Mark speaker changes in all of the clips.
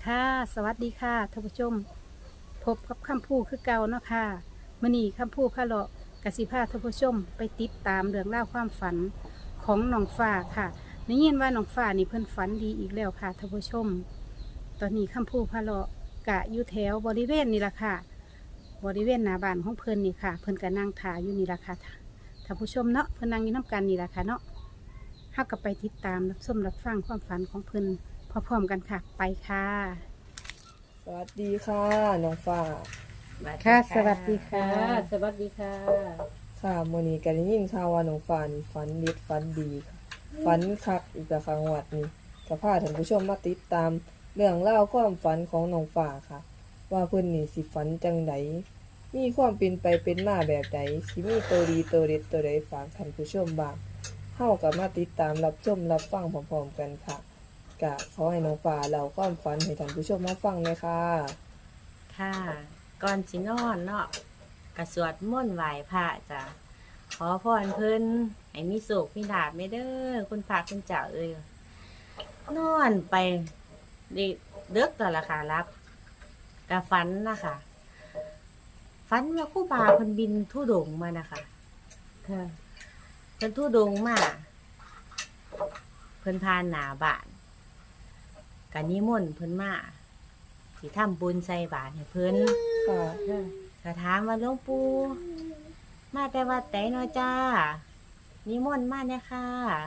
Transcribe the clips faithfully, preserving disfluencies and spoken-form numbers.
Speaker 1: ค่ะสวัสดีค่ะท่านผู้ชมพบกับคำพูคือเก่าเนาะค่ะมื้อนี้คำพูพะเลาะกสิพาท่านผู้ชมไปติดตามเรื่องราวความฝันของน้องฟ้าค่ะได้ยินว่าน้องฟ้านี่เพิ่นฝันดีอีกแล้วค่ะท่านผู้ชม ตอนนี้คำพูพะเลาะกะอยู่แถวบริเวณนี่ละค่ะบริเวณหน้าบ้านของเพิ่นนี่ค่ะ เพิ่นก็นั่งถ่ายอยู่นี่ละค่ะท่านผู้ชมเนาะเพิ่นนั่งอยู่น้ำกันนี่ละค่ะเนาะเฮาก็ไปติดตามรับชมรับฟังความฝันของเพิ่นพร้อมๆกันค่ะไปค่ะ
Speaker 2: สวัสดีค่ะน้องฟ้า
Speaker 1: ค่ะสวัสดีค่ะ
Speaker 3: สวัสดีค่ะ
Speaker 2: ค่ะมื้อนี้ก็ได้ยินข่าวว่าน้องฟ้านี่ฝันเด็ดฝันดีค่ะฝันคักอีกแล้วค่ะงวดนี้ก็พาท่านผู้ชมมาติดตามเรื่องราวความฝันของน้องฟ้าค่ะ ว่าเพิ่นนี่สิฝันจังไดมีความเป็นไปเป็นมาแบบใดสิมีตัวดีตัวเด็ดตัวใดฝากท่านผู้ชมบ้างเฮาก็มาติดตามรับชมรับฟังพร้อมๆกันค่ะก็ขอให้น้องฟ้าเล่าความฝันให้ท่านผู้ชมมาฟังเลยค่ะ
Speaker 3: ค่ะ ก่อนสินอนเนาะกระสวดมนต์ไหว้พระจ้ะขอพรเพิ่นให้มีสุขมีลาภไม่เด้อคุณพระคุณเจ้าเอ้ยนอนไปดิเดึกต่อละค่ะรับกะฝันนะคะฝันว่าครู่บาเพิ่นบินทุดงค์มานะคะ
Speaker 1: ค่ะ
Speaker 3: เพิ่นทุดงค์มาเพิ่นพานหน้าบ้านกะนิมนต์เพิ่นมาสิทำบุญใส่บาตรให้เพิ่น
Speaker 2: ค่ะ
Speaker 1: ค่ะ
Speaker 3: ก็ถามว่าหลวงปู่มาแต่วัดไหนเนาะจ้านิมนต์มาเนี่ยค่ะ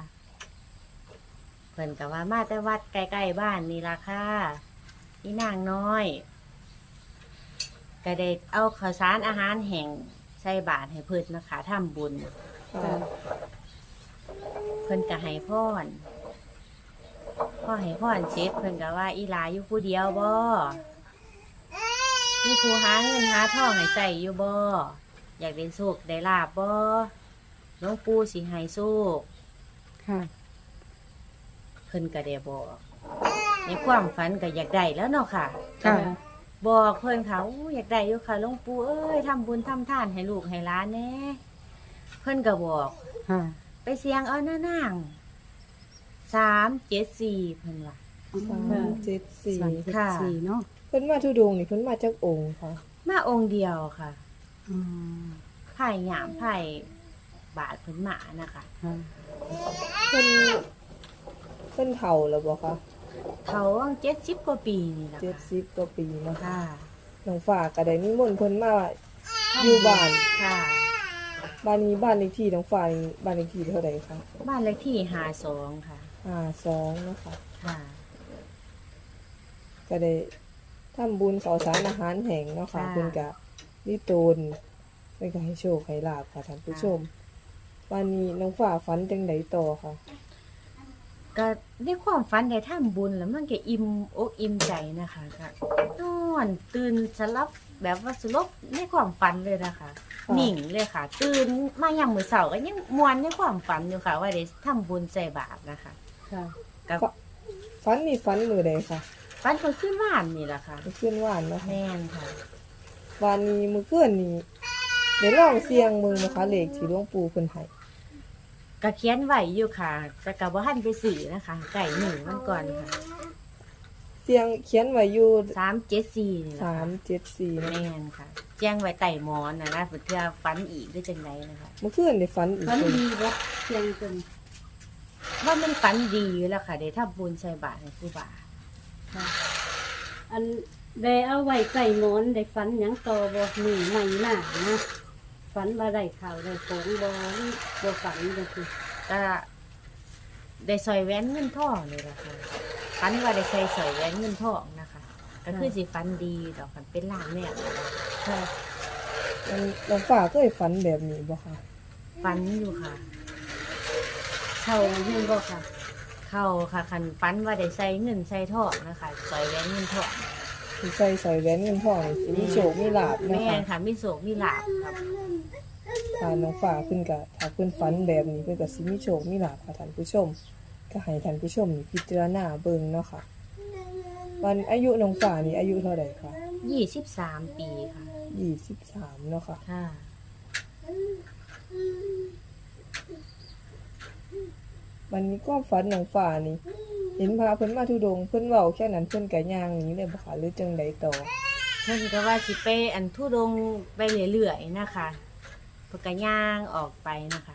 Speaker 3: เพิ่นก็ว่ามาแต่วัดใกล้ๆบ้านนี่ล่ะค่ะนี่นางน้อยก็ได้เอาข้าวสารอาหารแห้งใส่บาตรให้เพิ่นนะคะทำบุญ
Speaker 2: ค่ะ
Speaker 3: เพิ่นก็ให้พรพ่อให้พรเสร็จเพิ่นก็ว่าอีหลาอยู่ผู้เดียวบ่มีผู้หาเงินหาทองให้ใส่อยู่บ่อยากได้โชคได้ลาบบ่หลวงปู่สิให้โชค
Speaker 1: ค่ะ
Speaker 3: เพิ่นก็ได้บอกในความฝันก็อยากได้แล้วเนาะค่ะ
Speaker 1: ค่ะ
Speaker 3: บอกเพิ่นเขาอยากได้อยู่ค่ะหลวงปู่เอ้ยทำบุญทำทานให้ลูกให้หลานแหน่เพิ่นก็บอก
Speaker 1: ค่ะ
Speaker 3: ไปเสียงเอาหน้านางสามเจ็ดสี่เพิ่นว่า
Speaker 2: สามเจ็ดสี่
Speaker 1: สามเจ็ด
Speaker 3: ค่ะ
Speaker 1: สี่เนาะ
Speaker 2: เพิ่นมาทุดงค์นี่เพิ่นมาจากองค์ค่ะ
Speaker 3: มาองค์เดียวค่ะ
Speaker 1: อืม
Speaker 3: ไผ่หยามไผ่บาทเพิ่นหมานะคะ
Speaker 1: ค่ะ
Speaker 2: เพิ่นเพิ่นเฒ่าแล้วบ่คะ
Speaker 3: เขาเจ็ดสิบกว่าปีนี่แหละ
Speaker 2: เจ็ดสิบกว่าปีเนาะ
Speaker 3: ค่ะ
Speaker 2: น้องฝากก็ได้นิมนต์เพิ่นมาอยู่บ้าน
Speaker 3: ค่ะ
Speaker 2: บ้านนี้บ้านเลขที่น้องฝากนี่บ้านเลขที่เท่าใดคะ
Speaker 3: บ้านเลขที่ห้าสองค่ะ
Speaker 2: ห้าสองเนาะค่ะ
Speaker 3: ค่ะ
Speaker 2: ก็ได้ทำบุญข้าวสารอาหารแห้งเนาะค่ะ
Speaker 3: ค่ะ
Speaker 2: เพิ่นก็มีตนเพิ่นก็ให้โชคให้ลาภค่ะท่านผู้ชมวันนี้น้องฝากฝันจังไดต่อค่ะ
Speaker 3: ก็ได้ความฝันได้ทำบุญแล้วมันก็อิ่มอกอิ่มใจนะคะก็นอนตื่นสลับแบบว่าสลบในความฝันเลยนะคะ
Speaker 2: ค่ะ
Speaker 3: นิ่งเลยค่ะ ตื่นมายามมื้อเช้าก็ยังมวนในความฝันอยู่ค่ะ ว่าได้ทำบุญใส่บาตรนะคะ
Speaker 1: ค่ะ
Speaker 3: กับ
Speaker 2: ฝันนี่ฝันมื้อใดค่ะ
Speaker 3: ฝันเพิ่นขึ้นบ้านนี่แหละค่ะ
Speaker 2: มื้อคืนวานเนาะค่ะ
Speaker 3: แม่นค่ะ
Speaker 2: วันนี้มื้อคืนนี้ได้ลองเสี่ยงมือนะคะเลขที่หลวงปู่เพิ่นให้
Speaker 3: ก็เขียนไว้อยู่ค่ะแต่ก็บ่ทันไปซื้อนะคะไก่หนึ่งมันก่อนค่ะ
Speaker 2: เสียงเขียนไว้อยู่
Speaker 3: สามเจ็ดสี่นี่แหละ
Speaker 2: สาม
Speaker 3: ค่ะ
Speaker 2: เจ็ดสี่นะ
Speaker 3: แม่นค่ะ แจ้งไว้ไต่หมอนนะนะเพื่อฝันอีกได้จังไดนะคะ
Speaker 2: เมื่อคืนได้ฝันอีก
Speaker 1: ฝัน
Speaker 2: คน
Speaker 1: ดีบ่เพียงจน
Speaker 3: ว่ามันฝันดีอยู่แล้วค่ะได้ทำบุญใส่บาตรให้ครูบา
Speaker 1: ค่ะ อันได้เอาไว้ใส่หมอนได้ฝันหยังต่อบ่หนีใหม่หน้านะฝันว่าได้ข่าวได้ของบ่บ่ฝันจังซี่
Speaker 3: ก็ได้ใส่แหวนเงินทองเลยล่ะค่ะฝันว่าได้ใส่ใส่แหวนเงินทองนะคะ ก็คือสิฝันดีดอกมันเป็นลางแม่นนะคะ
Speaker 1: ค่ะ
Speaker 2: มันน้องฝ่าเคยฝันแบบนี้บ่คะ
Speaker 3: ฝันอยู่ค่ะ
Speaker 1: เข้าอยู่บ่ค่ะ
Speaker 3: เข้าค่ะคันฝันว่าได้ใส่เงินใส่ทองนะคะใส่แหวนเงินทอง
Speaker 2: ที่ใส่ใส่แหวนเงินทองนี่สิมีโชคมีลาภนะ
Speaker 3: แม่
Speaker 2: คะ
Speaker 3: นค่ะมีโศกมีลาบครับ
Speaker 2: ถ้าน้องฝ่าเพิ่นก็ถ้าเพิ่นฝันแบบนี้เพิ่นก็สิมีโชคมีลาภค่ะท่านผู้ชม ก็ให้ท่านผู้ชมนี่พิจารณาเบิ่งเนาะค่ะวันอายุน้องฝ่านี่อายุเท่าใดคะ
Speaker 3: ยี่สิบสามปีค่ะ
Speaker 2: ยี่สิบสามเนาะค่ะ
Speaker 3: ค่ะ
Speaker 2: วันนี้ก็ฝันน้องฝ่านี่เห็นพระเพิ่นมาธุดงค์เพิ่นเว้าแค่นั้นเพิ่นก็ย่างหนี้เลยบ่ค่ะหรือจังใดต่อ
Speaker 3: เพิ่นก็ว่าสิไปอันทุดงค์ไปเรื่อยๆนะคะเพิ่นก็ย่างออกไปนะคะ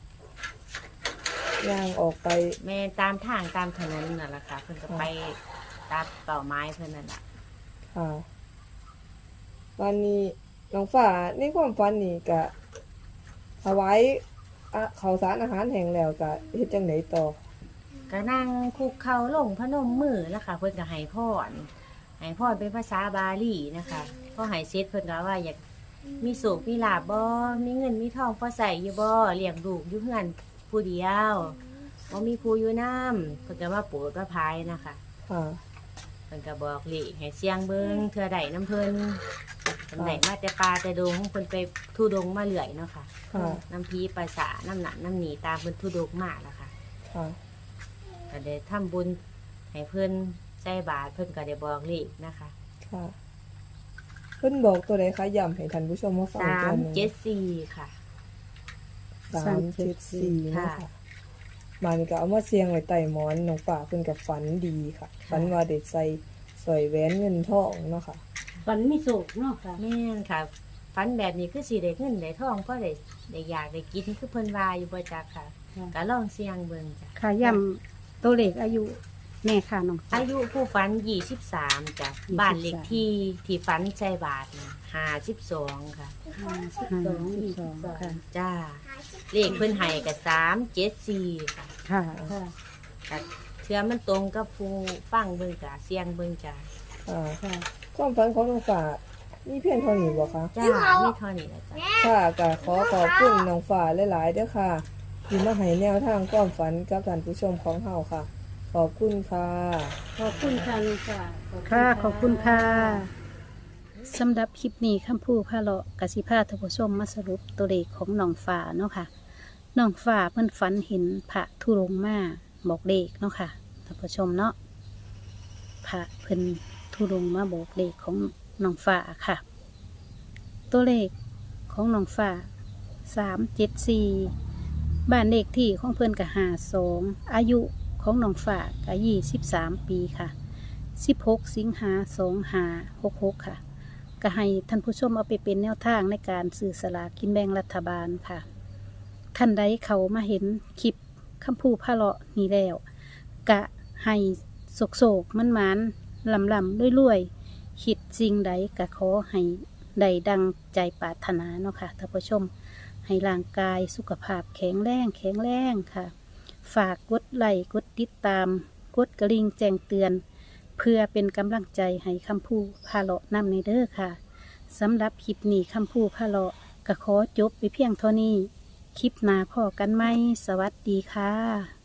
Speaker 2: ย่างออกไป
Speaker 3: แม่ตามทางตามถนนนั่นแหละค่ะเพิ่นก็ไปตามเป่าไม้เพิ่นนั่นแหละ
Speaker 2: ค่ะวันนี้น้องฟ้าในความฝันนี่ก็ถวายอะข้าวสารอาหารแห้งแล้วก็เฮ็ดจังไดต่อ
Speaker 3: ก็นั่งคุกเข่าลงพนมมือแล้วค่ะเพิ่นก็ให้พรให้พรเป็นภาษาบาลีนะคะพอให้เสร็จเพิ่นก็ว่าอยากมีโศกมีลาบบ่มีเงินมีทองพอใส่อยู่บ่เลี้ยงลูกอยู่เฮือนผู้เดียวบ่มีผู้อยู่นำเพิ่นก็ว่าโปรดว่าภายนะคะ
Speaker 2: ค่ะ
Speaker 3: เพิ่นก็บอกเลขให้เสียงเบิ่งเทื่อใดน้ำเพิ่นเพิ่นได้มาแต่ป่าแต่ดงเพิ่นไปทุดงค์มาเรื่อยเนาะค่ะ
Speaker 2: ค่ะ
Speaker 3: น้ำพีภาษาน้ำหนักน้ำหนีตามเพิ่นทุดงค์มาแล้วค่ะ
Speaker 2: ค่ะ
Speaker 3: ก็ได้ทำบุญให้เพิ่นใส่บาตรเพิ่นก็ได้บอกเลขนะคะ
Speaker 2: ค่ะเพิ่นบอกตัวใดคะย้ำให้ท่านผู้ชมมาฟัง
Speaker 3: สา
Speaker 2: อีก
Speaker 3: ม
Speaker 2: รอบหนึง
Speaker 3: เจ็ดสี่ค่ะ
Speaker 2: สามเจ็ดสี่เนาะ
Speaker 3: ค่ะ
Speaker 2: ค่ะมานี่ก็เอามาเสียงไว้ใต้หมอนน้องฟ้าเพิ่นก็ฝันดีค่ะ ฝันว่าได้ใส่สร้อยแหวนเงินทองเนาะค่ะ
Speaker 1: ฝันมีโศกเนาะค่ะ
Speaker 3: แม่นค่ะฝันแบบนี้คือสิได้เงินได้ทองก็ได้ได้อยากได้กินคือเพิ่นว่าอยู่บ่จักค่ะ
Speaker 1: ค่ะ
Speaker 3: ก็ลองเสี่ยงเบิ่งจ้ะ
Speaker 1: ค่ะย่ำตัวเลขอายุแม่ค่ะน้องฟ้า
Speaker 3: อายุผู้ฝันยี่สิบสามจ้ะ
Speaker 1: ยี่สิบสาม
Speaker 3: บ้านเลขที่ที่ฝันใส่บาทห้าสิบสองค่ะ
Speaker 1: ห้าสิบสองค่ะ
Speaker 3: จ้าเลขเพิ่นให้ก็สามเจ็ดสี่ค่ะ
Speaker 1: ค่ะค่ะ
Speaker 3: ก็เทื่อมันตรงกับผู้ฟังเบิ่งจ้ะเสียงเบิ่งจ้ะ
Speaker 2: ค่ะ
Speaker 1: ค่ะ
Speaker 2: ความฝันของน้องฟ้ามีเพียงเท่านี้บ่คะ
Speaker 3: จ้ามีเท่านี้แหละจ้ะ
Speaker 2: ค่ะก็ขอขอบคุณน้องฟ้าหลายๆเด้อค่ะ ที่มาให้แนวทางความฝันกับท่านผู้ชมของเฮาค่ะ ขอบคุณค่ะ
Speaker 1: ขอบคุณค่ะลุงค่ะค่ะ ขอบคุณค่ะสำหรับคลิปนี้คำพูดพาเลาะกสิพาท่านผู้ชมมาสรุปตัวเลขของน้องฟ้าเนาะค่ะน้องฟ้าเพิ่นฝันเห็นพระธุรงค์มาบอกเลขเนาะค่ะท่านผู้ชมเนาะพระเพิ่นธุรงค์มาบอกเลขของน้องฟ้าค่ะ ตัวเลขของน้องฟ้าสามเจ็ดสี่บ้านเลขที่ของเพิ่นกับหาสองอายุของน้องฟ้ากับยี่สิบสามปีค่ะสิบหกสิงหาสองหาหกหกค่ะก็ให้ท่านผู้ชมเอาไปเป็นแนวทางในการซื้อสลากกินแบ่งรัฐบาลค่ะท่านใดเขามาเห็นคลิปคำพูพาเลาะนี้แล้วกะให้โศกโศกมันมันลำลำด้วยรวยๆคิดสิ่งใดกะขอให้ได้ดังใจปรารถนาเนาะค่ะท่านผู้ชมให้ร่างกายสุขภาพแข็งแรงแข็งแรงค่ะ ฝากกดไลค์กดติดตาม กดกระลิ่งแจ้งเตือน เพื่อเป็นกำลังใจให้คำพูพาเลาะนำในเด้อค่ะสำหรับคลิปนี้คำพูพาเลาะก็ขอจบไปเพียงเท่านี้ คลิปหน้าพอกันไหมสวัสดีค่ะ